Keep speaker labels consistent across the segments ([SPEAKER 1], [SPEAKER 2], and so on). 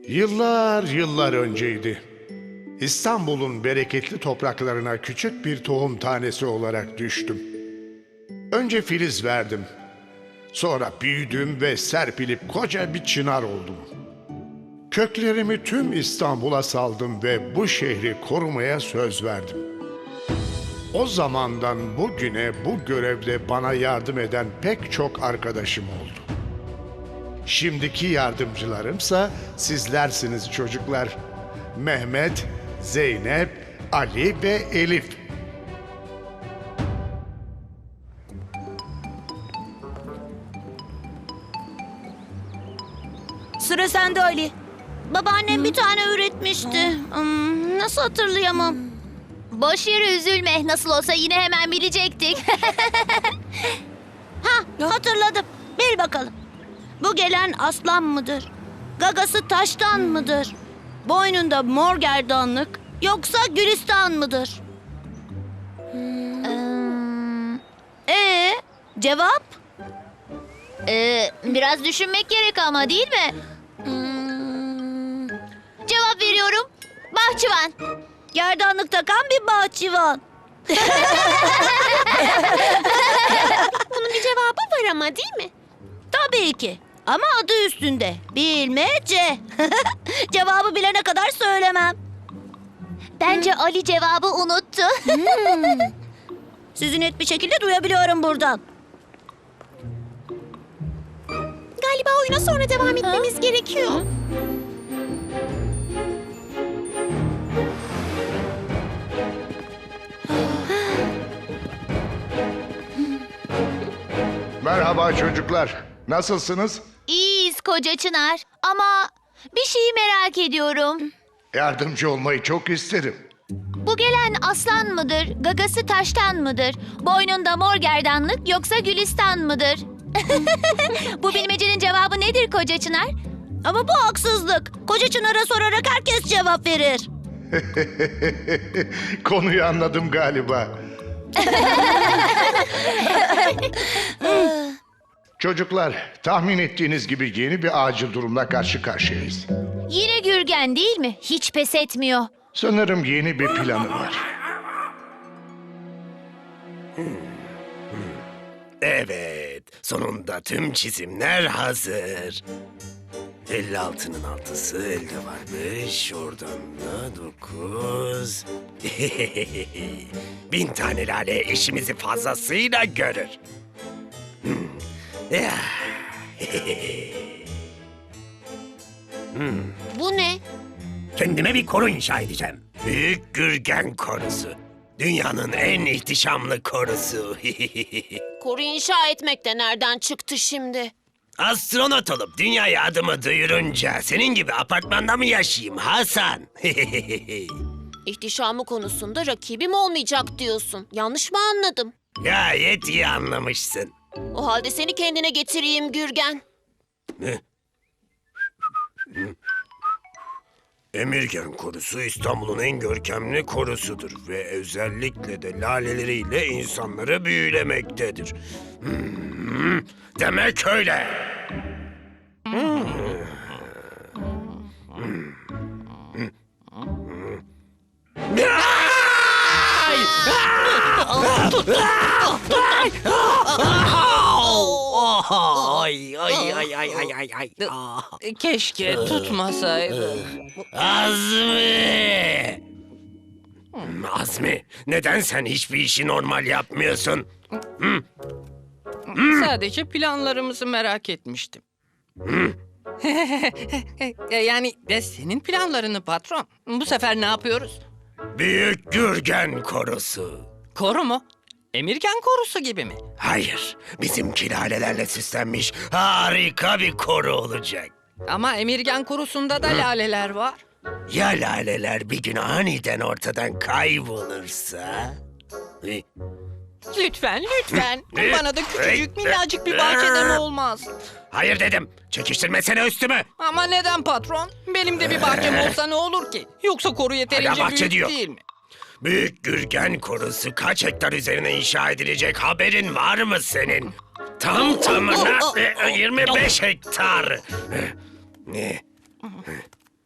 [SPEAKER 1] Yıllar yıllar önceydi. İstanbul'un bereketli topraklarına küçük bir tohum tanesi olarak düştüm. Önce filiz verdim. Sonra büyüdüm ve serpilip koca bir çınar oldum. Köklerimi tüm İstanbul'a saldım ve bu şehri korumaya söz verdim. O zamandan bugüne bu görevde bana yardım eden pek çok arkadaşım oldu. Şimdiki yardımcılarımsa sizlersiniz çocuklar. Mehmet, Zeynep, Ali ve Elif.
[SPEAKER 2] Sıra sende Ali. Babaannem bir tane üretmişti. Nasıl hatırlayamam?
[SPEAKER 3] Boş yere üzülme. Nasıl olsa yine hemen bilecektik.
[SPEAKER 2] Hatırladım. Bil bakalım. Bu gelen aslan mıdır? Gagası taştan mıdır? Boynunda mor gerdanlık yoksa gülistan mıdır? Cevap?
[SPEAKER 3] Biraz düşünmek gerek ama değil mi? Cevap veriyorum. Bahçıvan.
[SPEAKER 2] Gerdanlık takan bir bahçıvan.
[SPEAKER 3] Bunun bir cevabı var ama değil mi?
[SPEAKER 2] Tabii ki. Ama adı üstünde. Bilmece. Cevabı bilene kadar söylemem.
[SPEAKER 3] Bence Ali cevabı unuttu.
[SPEAKER 2] Sizi net bir şekilde duyabiliyorum buradan.
[SPEAKER 3] Galiba oyuna sonra devam etmemiz gerekiyor.
[SPEAKER 1] Merhaba çocuklar. Nasılsınız?
[SPEAKER 3] İyiyiz koca Çınar. Ama bir şeyi merak ediyorum.
[SPEAKER 1] Yardımcı olmayı çok isterim.
[SPEAKER 3] Bu gelen aslan mıdır, gagası taştan mıdır, boynunda mor gerdanlık yoksa gülistan mıdır? Bu bilmecenin cevabı nedir koca Çınar?
[SPEAKER 2] Ama bu haksızlık. Koca Çınar'a sorarak herkes cevap verir.
[SPEAKER 1] Konuyu anladım galiba. Çocuklar, tahmin ettiğiniz gibi yeni bir acil durumla karşı karşıyayız.
[SPEAKER 3] Yine Gürgen değil mi? Hiç pes etmiyor.
[SPEAKER 1] Sanırım yeni bir planı var.
[SPEAKER 4] Evet, sonunda tüm çizimler hazır. 56'nın 6'sı elde varmış, oradan da 9. 1000 tane lale işimizi fazlasıyla görür. Ya.
[SPEAKER 3] Bu ne?
[SPEAKER 4] Kendime bir koru inşa edeceğim. Büyük Gürgen Korusu. Dünyanın en ihtişamlı korusu.
[SPEAKER 5] Koru inşa etmek de nereden çıktı şimdi?
[SPEAKER 4] Astronot olup dünyaya adımı duyurunca senin gibi apartmanda mı yaşayayım Hasan?
[SPEAKER 5] İhtişamı konusunda rakibim olmayacak diyorsun. Yanlış mı anladım?
[SPEAKER 4] Gayet iyi anlamışsın.
[SPEAKER 5] O halde seni kendine getireyim Gürgen.
[SPEAKER 4] Emirgen Korusu İstanbul'un en görkemli korusudur ve özellikle de laleleriyle insanları büyülemektedir. Demek öyle. Ay ay ay ay ay ay ay.
[SPEAKER 6] Keşke tutmasaydı.
[SPEAKER 4] Azmi! Azmi, neden sen hiçbir işi normal yapmıyorsun?
[SPEAKER 6] Sadece planlarımızı merak etmiştim. Yani de senin planlarını patron. Bu sefer ne yapıyoruz?
[SPEAKER 4] Büyük Gürgen Korusu.
[SPEAKER 6] Koru mu? Emirgen korusu gibi mi?
[SPEAKER 4] Hayır, bizimki lalelerle süslenmiş harika bir koru olacak.
[SPEAKER 6] Ama Emirgen korusunda da laleler var.
[SPEAKER 4] Ya laleler bir gün aniden ortadan kaybolursa?
[SPEAKER 6] Lütfen, lütfen. Bana da küçücük minnacık bir bahçeden olmaz.
[SPEAKER 4] Hayır dedim, çekiştirmesene üstümü.
[SPEAKER 6] Ama neden patron? Benim de bir bahçem olsa ne olur ki? Yoksa koru yeterince
[SPEAKER 4] bahçe
[SPEAKER 6] büyük
[SPEAKER 4] diyor.
[SPEAKER 6] değil mi?
[SPEAKER 4] Büyük Gürgen Korusu kaç hektar üzerine inşa edilecek haberin var mı senin? Tam tamına 25 hektar.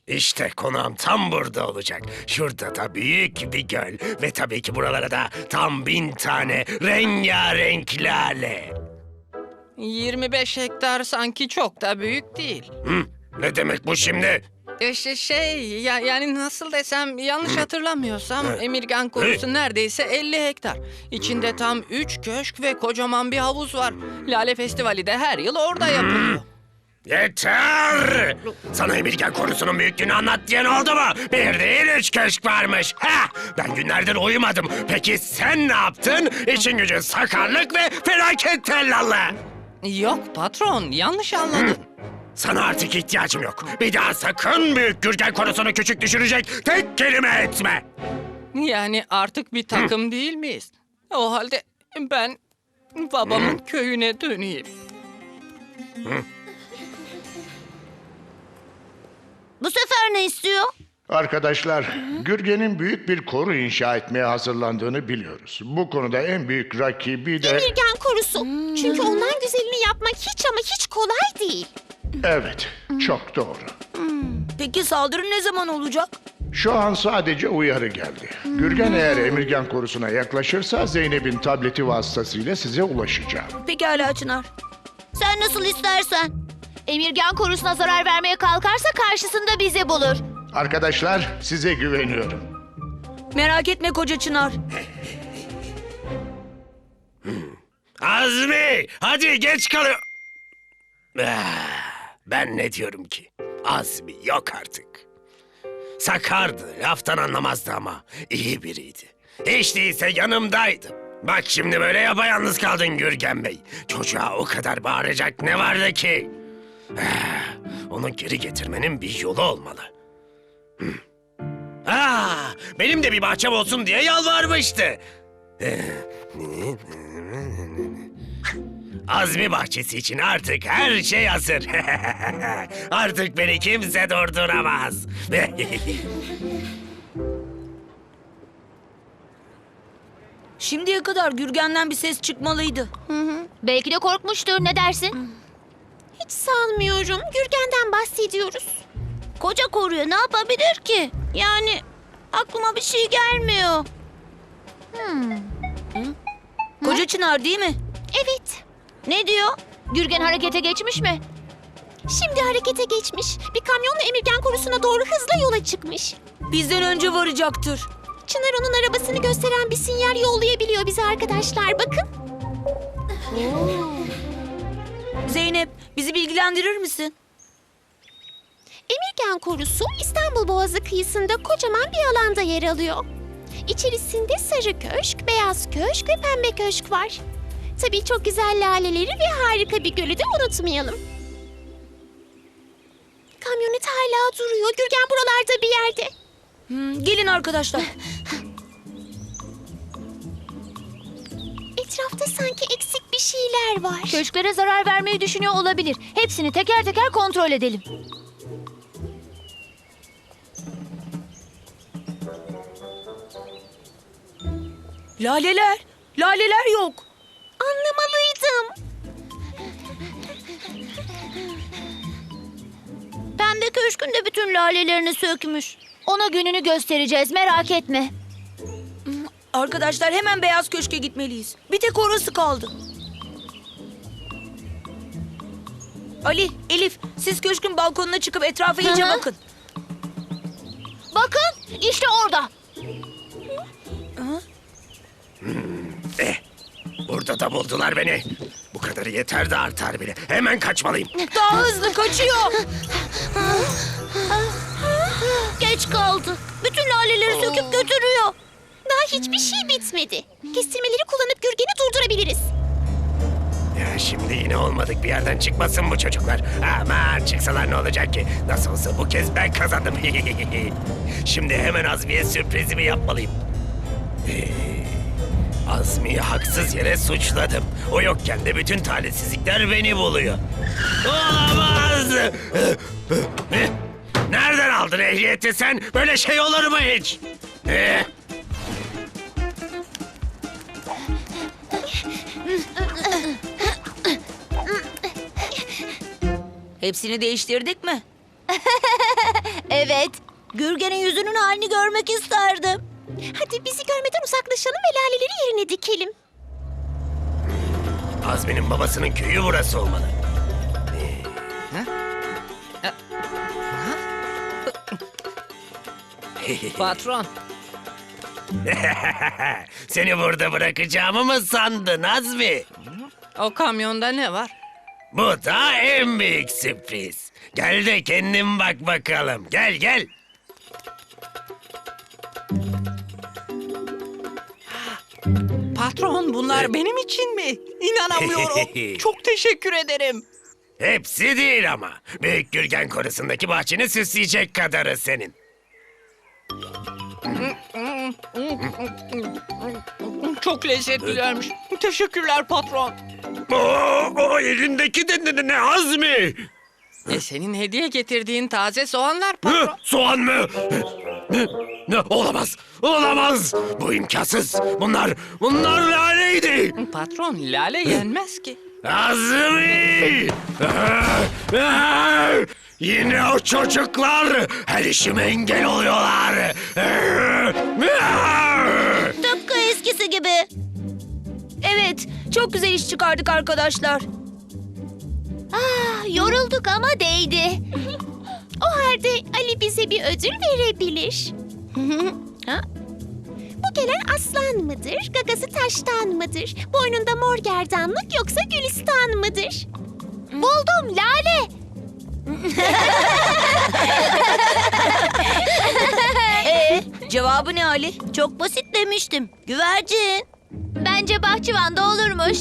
[SPEAKER 4] İşte konağım tam burada olacak. Şurada da büyük bir göl ve tabii ki buralara da tam 1000 tane rengarenk lale.
[SPEAKER 6] 25 hektar sanki çok da büyük değil.
[SPEAKER 4] Ne demek bu şimdi?
[SPEAKER 6] Yani nasıl desem yanlış hatırlamıyorsam Emirgan korusu neredeyse 50 hektar. İçinde tam 3 köşk ve kocaman bir havuz var. Lale Festivali de her yıl orada yapılıyor.
[SPEAKER 4] Yeter! Sana Emirgan korusunun büyüklüğünü anlat diyen oldu mu? Bir değil 3 köşk varmış. Ha! Ben günlerdir uyumadım. Peki sen ne yaptın? İşin gücün sakarlık ve felaket tellallı.
[SPEAKER 6] Yok patron, yanlış anladın.
[SPEAKER 4] Sana artık ihtiyacım yok. Bir daha sakın büyük Gürgen konusunu küçük düşürecek tek kelime etme.
[SPEAKER 6] Yani artık bir takım değil miyiz? O halde ben babamın köyüne döneyim.
[SPEAKER 2] Bu sefer ne istiyor?
[SPEAKER 1] Arkadaşlar, Gürgen'in büyük bir koru inşa etmeye hazırlandığını biliyoruz. Bu konuda en büyük rakibi de...
[SPEAKER 5] Emirgan korusu. Çünkü ondan güzelini yapmak hiç ama hiç kolay değil.
[SPEAKER 1] Evet, çok doğru.
[SPEAKER 2] Peki saldırı ne zaman olacak?
[SPEAKER 1] Şu an sadece uyarı geldi. Gürgen eğer Emirgan korusuna yaklaşırsa Zeynep'in tableti vasıtasıyla size ulaşacağım.
[SPEAKER 2] Pekala Çınar. Sen nasıl istersen.
[SPEAKER 3] Emirgan korusuna zarar vermeye kalkarsa karşısında bizi bulur.
[SPEAKER 1] Arkadaşlar, size güveniyorum.
[SPEAKER 2] Merak etme koca Çınar.
[SPEAKER 4] Azmi! Hadi geç kalıyor. Ben ne diyorum ki? Azmi yok artık. Sakardı, laftan anlamazdı ama iyi biriydi. Hiç değilse yanımdaydı. Bak şimdi böyle yapayalnız kaldın Gürgen Bey. Çocuğa o kadar bağıracak ne vardı ki? Onu geri getirmenin bir yolu olmalı. Benim de bir bahçem olsun diye yalvarmıştı. Azmi bahçesi için artık her şey hazır. Artık beni kimse durduramaz.
[SPEAKER 2] Şimdiye kadar Gürgen'den bir ses çıkmalıydı.
[SPEAKER 3] Belki de korkmuştur. Ne dersin?
[SPEAKER 5] Hiç sanmıyorum. Gürgen'den bahsediyoruz.
[SPEAKER 2] Koca koruya ne yapabilir ki? Yani aklıma bir şey gelmiyor. Koca Çınar değil mi?
[SPEAKER 5] Evet.
[SPEAKER 2] Ne diyor?
[SPEAKER 3] Gürgen harekete geçmiş mi?
[SPEAKER 5] Şimdi harekete geçmiş. Bir kamyonla Emirgan korusuna doğru hızla yola çıkmış.
[SPEAKER 2] Bizden önce varacaktır.
[SPEAKER 5] Çınar onun arabasını gösteren bir sinyal yollayabiliyor bize arkadaşlar. Bakın.
[SPEAKER 2] Zeynep, bizi bilgilendirir misin?
[SPEAKER 5] Emirgan korusu İstanbul Boğazı kıyısında kocaman bir alanda yer alıyor. İçerisinde sarı köşk, beyaz köşk ve pembe köşk var. Tabii çok güzel laleleri ve harika bir gölü de unutmayalım. Kamyonet hala duruyor. Gürgen buralarda bir yerde.
[SPEAKER 2] Gelin arkadaşlar.
[SPEAKER 5] Etrafta sanki eksik bir şeyler var.
[SPEAKER 3] Köşklere zarar vermeyi düşünüyor olabilir. Hepsini teker teker kontrol edelim.
[SPEAKER 2] Laleler. Laleler yok.
[SPEAKER 5] Anlamalıydım.
[SPEAKER 2] Pembe köşkün de bütün lalelerini sökmüş.
[SPEAKER 3] Ona gününü göstereceğiz. Merak etme.
[SPEAKER 2] Arkadaşlar hemen beyaz köşke gitmeliyiz. Bir tek orası kaldı. Ali, Elif, siz köşkün balkonuna çıkıp etrafa iyice
[SPEAKER 3] Hı hı.
[SPEAKER 2] bakın.
[SPEAKER 3] Bakın işte orada.
[SPEAKER 4] Burada da buldular beni. Bu kadarı yeter de artar bile. Hemen kaçmalıyım.
[SPEAKER 2] Daha hızlı kaçıyor. Geç kaldı. Bütün laleleri söküp götürüyor.
[SPEAKER 5] Daha hiçbir şey bitmedi. Kestirmeleri kullanıp Gürgen'i durdurabiliriz.
[SPEAKER 4] Ya şimdi yine olmadık bir yerden çıkmasın bu çocuklar. Aman çıksalar ne olacak ki? Nasıl olsa bu kez ben kazandım. Şimdi hemen Azmi'ye sürprizimi yapmalıyım. Azmi'yi haksız yere suçladım. O yokken de bütün talihsizlikler beni buluyor. Olamaz! Nereden aldın ehliyeti sen? Böyle şey olur mu hiç?
[SPEAKER 2] Hepsini değiştirdik mi?
[SPEAKER 3] Evet.
[SPEAKER 2] Gürgen'in yüzünün halini görmek isterdim.
[SPEAKER 5] Hadi bizi görmeden uzaklaşalım ve laleleri yerine dikelim.
[SPEAKER 4] Azmi'nin babasının köyü burası olmalı.
[SPEAKER 6] Patron,
[SPEAKER 4] Seni burada bırakacağımı mı sandın Azmi?
[SPEAKER 6] o kamyonda ne var?
[SPEAKER 4] Bu da en büyük sürpriz. Gel de kendin bak bakalım. Gel gel.
[SPEAKER 6] Patron, bunlar benim için mi? İnanamıyorum. Çok teşekkür ederim.
[SPEAKER 4] Hepsi değil ama. Büyük Gürgen Korusu'ndaki bahçeni süsleyecek kadarı senin.
[SPEAKER 6] Çok lezzetlilermiş. Teşekkürler patron.
[SPEAKER 4] O elindeki de ne Azmi?
[SPEAKER 6] Senin hediye getirdiğin taze soğanlar patron.
[SPEAKER 4] Soğan mı? Ne? Olamaz. Olamaz. Bu imkansız. Bunlar laleydi.
[SPEAKER 6] Patron, lale yenmez ki.
[SPEAKER 4] Azmi! Yine o çocuklar her işime engel oluyorlar.
[SPEAKER 2] Tıpkı eskisi gibi. Evet, çok güzel iş çıkardık arkadaşlar.
[SPEAKER 3] Yorulduk ama değdi.
[SPEAKER 5] O halde Ali bize bir ödül verebilir.
[SPEAKER 2] Ha?
[SPEAKER 5] Bu gelen aslan mıdır, gagası taştan mıdır? Boynunda mor gerdanlık yoksa gülistan mıdır?
[SPEAKER 3] Buldum, lale.
[SPEAKER 2] Cevabı ne Ali? Çok basit demiştim. Güvercin.
[SPEAKER 3] Bence bahçıvanda olurmuş.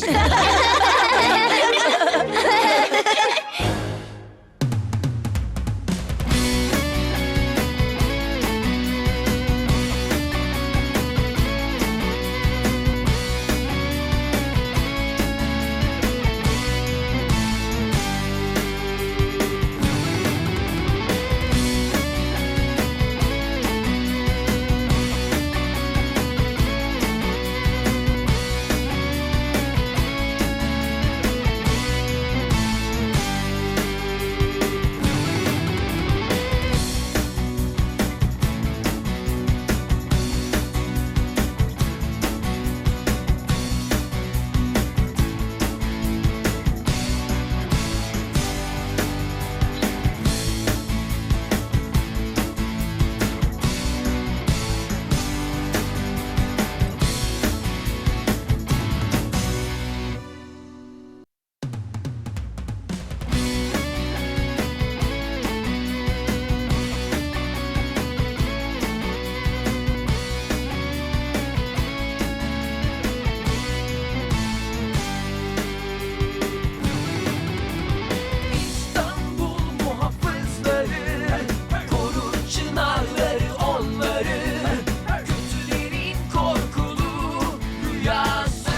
[SPEAKER 7] İstanbul muhafızları korur çınarları onları kötülerin korkulu rüyası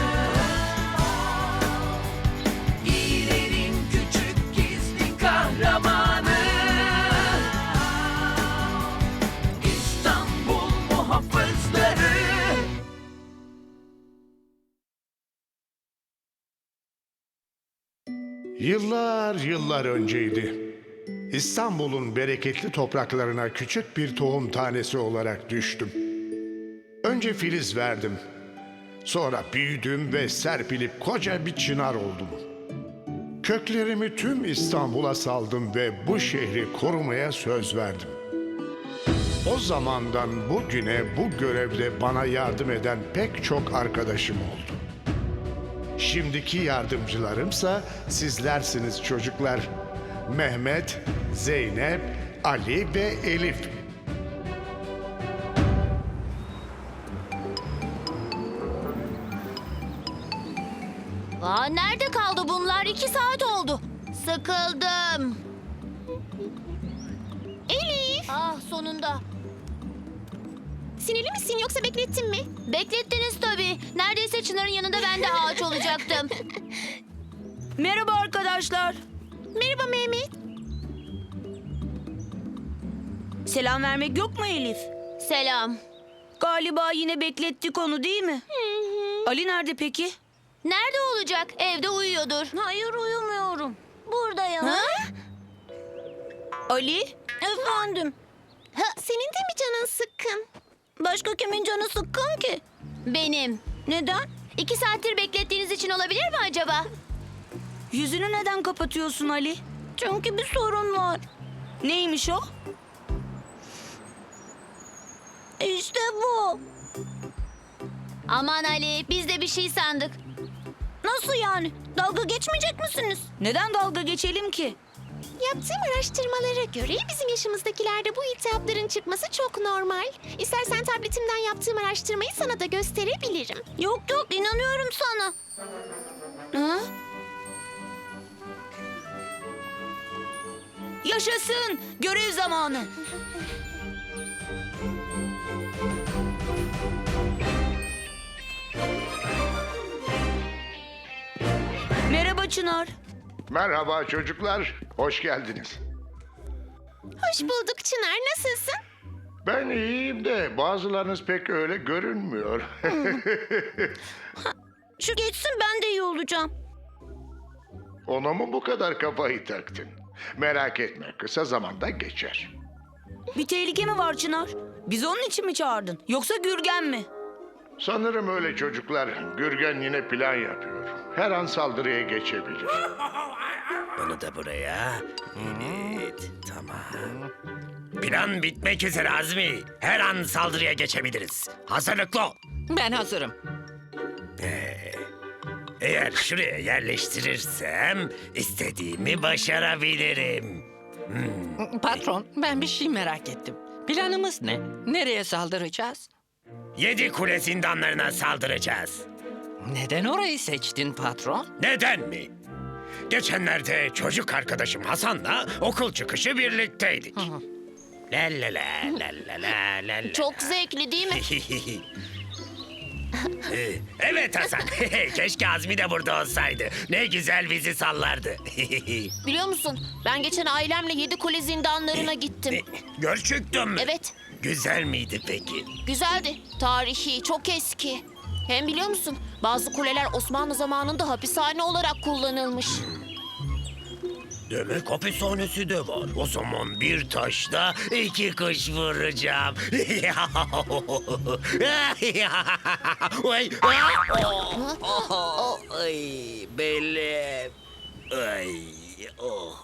[SPEAKER 7] İyilerin küçük gizli kahramanı İstanbul muhafızları.
[SPEAKER 1] Yıllar önceydi. İstanbul'un bereketli topraklarına küçük bir tohum tanesi olarak düştüm. Önce filiz verdim. Sonra büyüdüm ve serpilip koca bir çınar oldum. Köklerimi tüm İstanbul'a saldım ve bu şehri korumaya söz verdim. O zamandan bugüne bu görevde bana yardım eden pek çok arkadaşım oldu. Şimdiki yardımcılarımsa sizlersiniz çocuklar. Mehmet, Zeynep, Ali ve Elif.
[SPEAKER 3] Nerede kaldı bunlar? 2 saat oldu. Sıkıldım.
[SPEAKER 5] Elif,
[SPEAKER 3] Sonunda.
[SPEAKER 5] sinirli misin yoksa beklettin mi?
[SPEAKER 3] Beklettiniz tabii. Neredeyse Çınar'ın yanında ben de ağaç olacaktım.
[SPEAKER 2] Merhaba arkadaşlar.
[SPEAKER 5] Merhaba Mehmet.
[SPEAKER 2] Selam vermek yok mu Elif?
[SPEAKER 3] Selam.
[SPEAKER 2] Galiba yine beklettik onu değil mi? Ali nerede peki?
[SPEAKER 3] Nerede olacak? Evde uyuyordur.
[SPEAKER 2] Hayır uyumuyorum. Buradayım. Ali? Efendim?
[SPEAKER 5] Senin de mi canın sıkkın?
[SPEAKER 2] Başka kimin canı sıkkın ki?
[SPEAKER 3] Benim.
[SPEAKER 2] Neden?
[SPEAKER 3] 2 saattir beklettiğiniz için olabilir mi acaba?
[SPEAKER 2] Yüzünü neden kapatıyorsun Ali? Çünkü bir sorun var. Neymiş o? İşte bu.
[SPEAKER 3] Aman Ali, biz de bir şey sandık.
[SPEAKER 2] Nasıl yani? Dalga geçmeyecek misiniz? Neden dalga geçelim ki?
[SPEAKER 5] Yaptığım araştırmalara göre bizim yaşımızdakilerde bu iltihapların çıkması çok normal. İstersen tabletimden yaptığım araştırmayı sana da gösterebilirim.
[SPEAKER 2] Yok yok, inanıyorum sana. Ha? Yaşasın! Görev zamanı. Merhaba Çınar.
[SPEAKER 1] Merhaba çocuklar, hoş geldiniz.
[SPEAKER 5] Hoş bulduk Çınar, nasılsın?
[SPEAKER 1] Ben iyiyim de bazılarınız pek öyle görünmüyor.
[SPEAKER 2] Şu geçsin, ben de iyi olacağım.
[SPEAKER 1] Ona mı bu kadar kafayı taktın? Merak etme, kısa zamanda geçer.
[SPEAKER 2] Bir tehlike mi var Çınar? Bizi onun için mi çağırdın? Yoksa Gürgen mi?
[SPEAKER 1] Sanırım öyle çocuklar. Gürgen yine plan yapıyor. Her an saldırıya geçebilir.
[SPEAKER 4] Bunu da buraya. Evet, tamam. Plan bitmek üzere Azmi. Her an saldırıya geçebiliriz. Hazırlıklı ol.
[SPEAKER 6] Ben hazırım.
[SPEAKER 4] Eğer şuraya yerleştirirsem istediğimi başarabilirim.
[SPEAKER 6] Patron, ben bir şey merak ettim. Planımız ne? Nereye saldıracağız?
[SPEAKER 4] 7 kule zindanlarına saldıracağız.
[SPEAKER 6] Neden orayı seçtin patron?
[SPEAKER 4] Neden mi? Geçenlerde çocuk arkadaşım Hasan'la okul çıkışı birlikteydik. La la la la la la la la.
[SPEAKER 3] Çok zevkli değil mi?
[SPEAKER 4] Evet Hasan. Keşke Azmi de burada olsaydı. Ne güzel bizi sallardı.
[SPEAKER 3] Biliyor musun? Ben geçen ailemle 7 kule zindanlarına gittim.
[SPEAKER 4] Gerçekten mi?
[SPEAKER 3] Evet,
[SPEAKER 4] Güzel miydi peki?
[SPEAKER 3] güzeldi. Tarihi, çok eski. Hem biliyor musun? Bazı kuleler Osmanlı zamanında hapishane olarak kullanılmış.
[SPEAKER 4] Demek hapishanesi de var. O zaman bir taşla 2 kuş vuracağım. Ay, ay, belim. Ay, oh.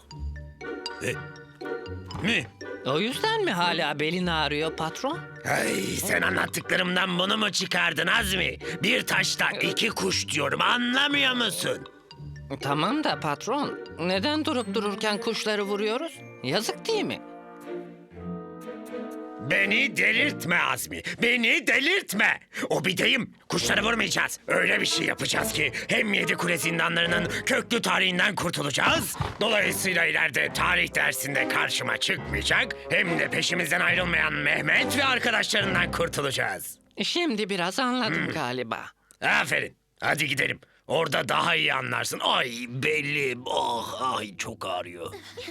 [SPEAKER 4] Ne?
[SPEAKER 6] O yüzden mi hala belin ağrıyor patron?
[SPEAKER 4] Ay, sen anlattıklarımdan bunu mu çıkardın Azmi? Bir taşla 2 kuş diyorum, anlamıyor musun?
[SPEAKER 6] Tamam da patron, neden durup dururken kuşları vuruyoruz? Yazık değil mi?
[SPEAKER 4] Beni delirtme Azmi, beni delirtme. O bir deyim, kuşları vurmayacağız. Öyle bir şey yapacağız ki hem 7 kule zindanlarının köklü tarihinden kurtulacağız. Dolayısıyla ileride tarih dersinde karşıma çıkmayacak. Hem de peşimizden ayrılmayan Mehmet ve arkadaşlarından kurtulacağız.
[SPEAKER 6] Şimdi biraz anladım galiba.
[SPEAKER 4] Aferin, hadi gidelim. Orada daha iyi anlarsın. Ay belim, oh, ay çok ağrıyor.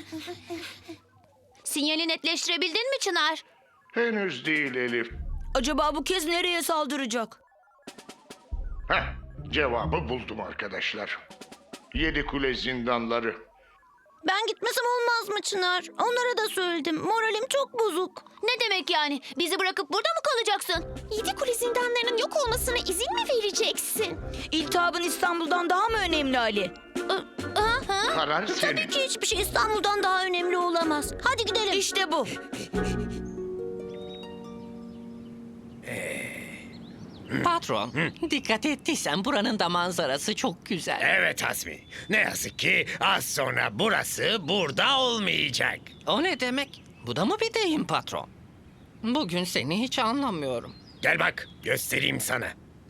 [SPEAKER 3] Sinyali netleştirebildin mi Çınar?
[SPEAKER 1] Henüz değil Elif.
[SPEAKER 2] Acaba bu kez nereye saldıracak?
[SPEAKER 1] Heh, cevabı buldum arkadaşlar. 7 kule zindanları.
[SPEAKER 2] Ben gitmesem olmaz mı Çınar? Onlara da söyledim. Moralim çok bozuk.
[SPEAKER 3] Ne demek yani? Bizi bırakıp burada mı kalacaksın?
[SPEAKER 5] 7 kule zindanlarının yok olmasına izin mi vereceksin?
[SPEAKER 2] İltihabın İstanbul'dan daha mı önemli Ali?
[SPEAKER 1] Karar
[SPEAKER 2] Tabii
[SPEAKER 1] senin.
[SPEAKER 2] ki hiçbir şey İstanbul'dan daha önemli olamaz. Hadi gidelim. İşte bu.
[SPEAKER 6] Patron, dikkat ettiysen buranın da manzarası çok güzel.
[SPEAKER 4] Evet Azmi, ne yazık ki az sonra burası burada olmayacak.
[SPEAKER 6] O ne demek? Bu da mı bir deyim patron? Bugün seni hiç anlamıyorum.
[SPEAKER 4] Gel bak, göstereyim sana.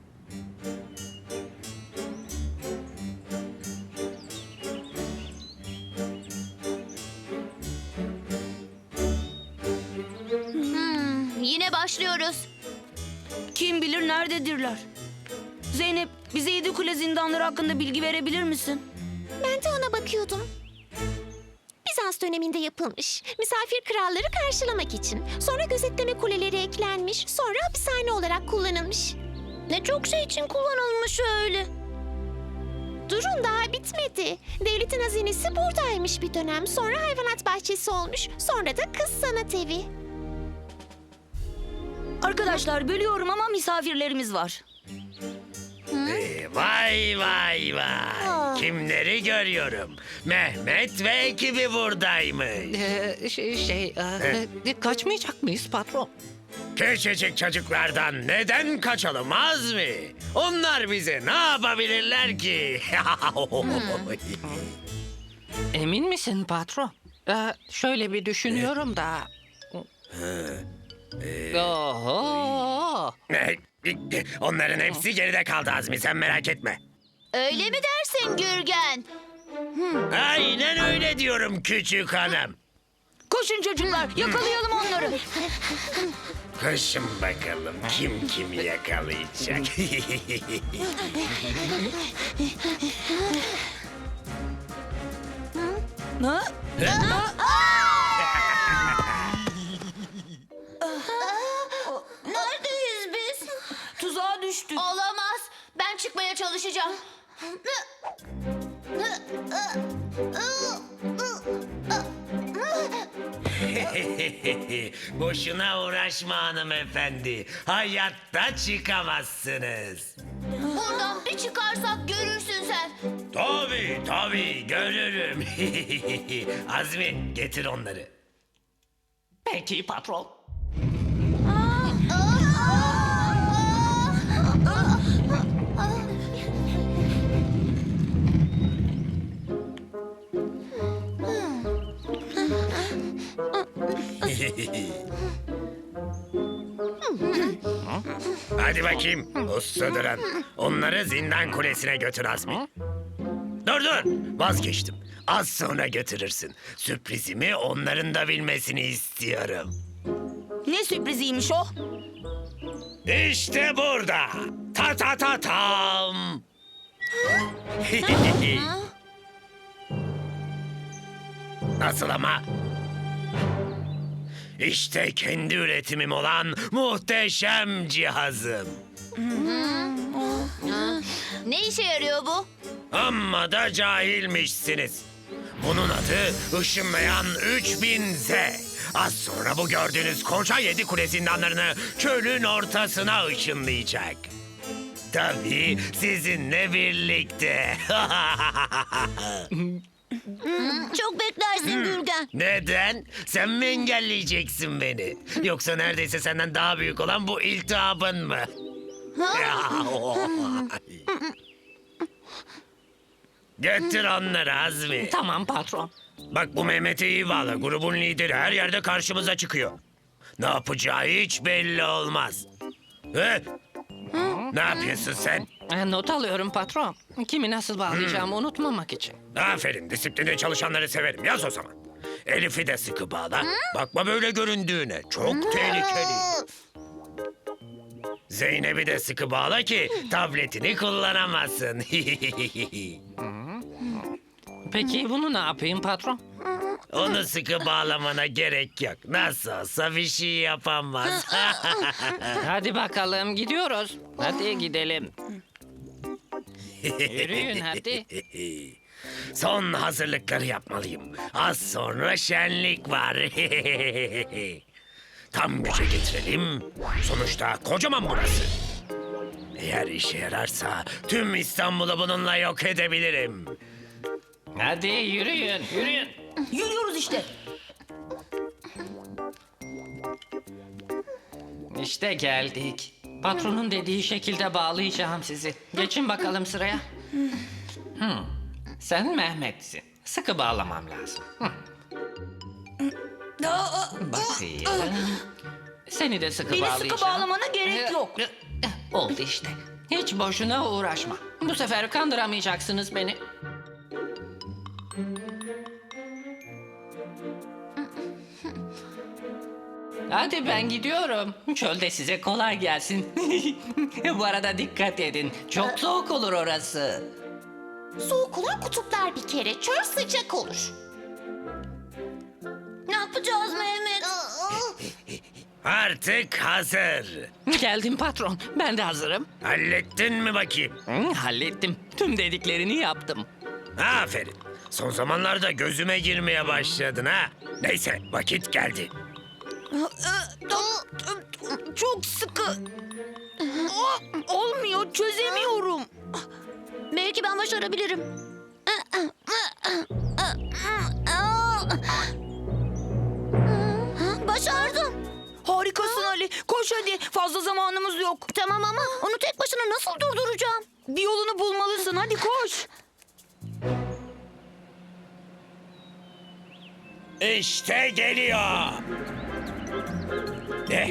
[SPEAKER 3] Yine başlıyoruz.
[SPEAKER 2] Kim bilir nerededirler? Zeynep, bize 7 kule zindanları hakkında bilgi verebilir misin?
[SPEAKER 5] Ben de ona bakıyordum. Bizans döneminde yapılmış. Misafir kralları karşılamak için. Sonra gözetleme kuleleri eklenmiş. Sonra hapishane olarak kullanılmış.
[SPEAKER 2] Ne çok şey için kullanılmış öyle.
[SPEAKER 5] Durun, daha bitmedi. Devletin hazinesi buradaymış bir dönem. Sonra hayvanat bahçesi olmuş. Sonra da kız sanat evi.
[SPEAKER 2] Arkadaşlar bölüyorum ama misafirlerimiz var.
[SPEAKER 4] Vay vay vay. Kimleri görüyorum? Mehmet ve ekibi buradaymış.
[SPEAKER 6] Kaçmayacak mıyız patron?
[SPEAKER 4] Küçücük çocuklardan neden kaçalım Azmi? Onlar bize ne yapabilirler ki?
[SPEAKER 6] Emin misin patron? Şöyle bir düşünüyorum da. Oho!
[SPEAKER 4] Onların hepsi geride kaldı Azmi, sen merak etme.
[SPEAKER 3] Öyle mi dersin Gürgen?
[SPEAKER 4] Aynen öyle diyorum küçük hanım.
[SPEAKER 2] Koşun çocuklar, yakalayalım onları.
[SPEAKER 4] Koşun bakalım kim kimi yakalayacak.
[SPEAKER 2] Ha?
[SPEAKER 3] Neredeyiz biz?
[SPEAKER 2] Tuzağa düştük.
[SPEAKER 3] Olamaz. Ben çıkmaya çalışacağım.
[SPEAKER 4] Boşuna uğraşma hanımefendi. Hayatta çıkamazsınız.
[SPEAKER 3] Buradan bir çıkarsak görürsün sen.
[SPEAKER 4] Tabii görürüm. Azmi getir onları.
[SPEAKER 6] Peki patron.
[SPEAKER 4] Hadi bakayım usta duran. Onları zindan kulesine götür Azmi. Dur vazgeçtim. Az sonra götürürsün. Sürprizimi onların da bilmesini istiyorum.
[SPEAKER 2] Ne sürpriziymiş o?
[SPEAKER 4] İşte burada. Ta tam. Nasıl ama? İşte kendi üretimim olan muhteşem cihazım.
[SPEAKER 3] Ne işe yarıyor bu?
[SPEAKER 4] Amma da cahilmişsiniz. Bunun adı ışınlayan 3000Z. Az sonra bu gördüğünüz koca 7 kule zindanlarını çölün ortasına ışınlayacak. Tabii sizinle birlikte.
[SPEAKER 2] Çok beklersin Gürgen.
[SPEAKER 4] Neden? Sen mi engelleyeceksin beni? Yoksa neredeyse senden daha büyük olan bu iltihabın mı? Götür onları Azmi.
[SPEAKER 6] Tamam patron.
[SPEAKER 4] Bak bu Mehmet'i iyi bağla. Grubun lideri her yerde karşımıza çıkıyor. Ne yapacağı hiç belli olmaz. He? Ne yapıyorsun sen?
[SPEAKER 6] Not alıyorum patron. Kimi nasıl bağlayacağımı unutmamak için.
[SPEAKER 4] Aferin, disiplinli çalışanları severim. Yaz o zaman. Elif'i de sıkı bağla. Bakma böyle göründüğüne. Çok tehlikeli. Zeynep'i de sıkı bağla ki tabletini kullanamasın.
[SPEAKER 6] Peki bunu ne yapayım patron?
[SPEAKER 4] Onu sıkı bağlamana gerek yok. Nasıl olsa bir şey yapamaz.
[SPEAKER 6] Hadi bakalım gidiyoruz. Hadi gidelim. Yürüyün hadi.
[SPEAKER 4] Son hazırlıkları yapmalıyım. Az sonra şenlik var. Tam güce getirelim. Sonuçta kocaman burası. Eğer işe yararsa tüm İstanbul'u bununla yok edebilirim.
[SPEAKER 6] Hadi yürüyün.
[SPEAKER 2] Yürüyoruz işte.
[SPEAKER 6] İşte geldik. Patronun dediği şekilde bağlayacağım sizi. Geçin bakalım sıraya. Sen Mehmet'sin. Sıkı bağlamam lazım. Bakayım. Seni de sıkı
[SPEAKER 2] Beni
[SPEAKER 6] bağlayacağım.
[SPEAKER 2] sıkı bağlamana gerek yok.
[SPEAKER 6] Oldu işte. Hiç boşuna uğraşma. Bu sefer kandıramayacaksınız beni. Hadi ben gidiyorum. Çölde size kolay gelsin. Bu arada dikkat edin. Çok soğuk olur orası.
[SPEAKER 5] Soğuk olan kutuplar bir kere. Çöl sıcak olur.
[SPEAKER 2] Ne yapacağız Mehmet?
[SPEAKER 4] Artık hazır.
[SPEAKER 6] Geldim patron. Ben de hazırım.
[SPEAKER 4] Hallettin mi bakayım?
[SPEAKER 6] Hallettim. Tüm dediklerini yaptım.
[SPEAKER 4] Aferin. Son zamanlarda gözüme girmeye başladın ha. Neyse vakit geldi.
[SPEAKER 2] Çok sıkı. Olmuyor, çözemiyorum. Belki ben başarabilirim. Başardım. Harikasın Ali. Koş hadi. Fazla zamanımız yok. Tamam ama onu tek başına nasıl durduracağım? Bir yolunu bulmalısın. Hadi koş.
[SPEAKER 4] İşte geliyor. Ne?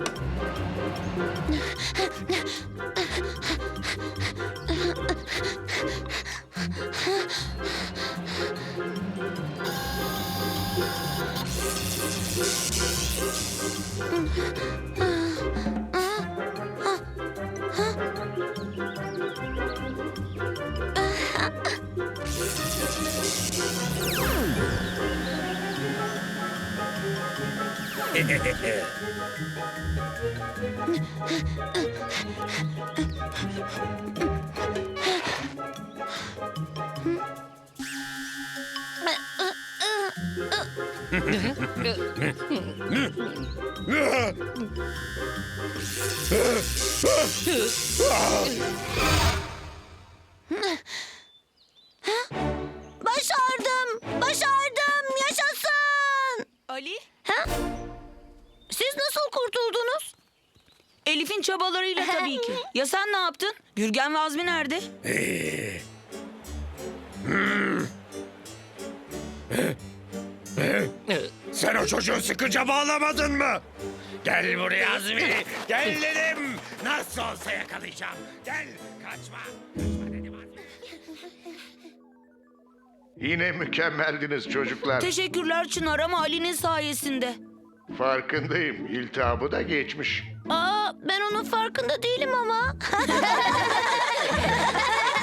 [SPEAKER 2] Başardım. Başardım. Yaşasın.
[SPEAKER 8] Ali,
[SPEAKER 2] Ha? Siz nasıl kurtuldunuz?
[SPEAKER 8] Elif'in çabalarıyla tabii ki. Ya sen ne yaptın? Gürgen ve Azmi nerede?
[SPEAKER 4] Sen o çocuğu sıkıca bağlamadın mı? Gel buraya Azmi. Gel dedim. Nasıl olsa yakalayacağım. Gel kaçma. Kaçma dedim Azmi.
[SPEAKER 1] Yine mükemmeldiniz çocuklar.
[SPEAKER 8] Teşekkürler Çınar ama Ali'nin sayesinde.
[SPEAKER 1] Farkındayım. İltihabı da geçmiş.
[SPEAKER 2] Aa, ben onun farkında değilim ama.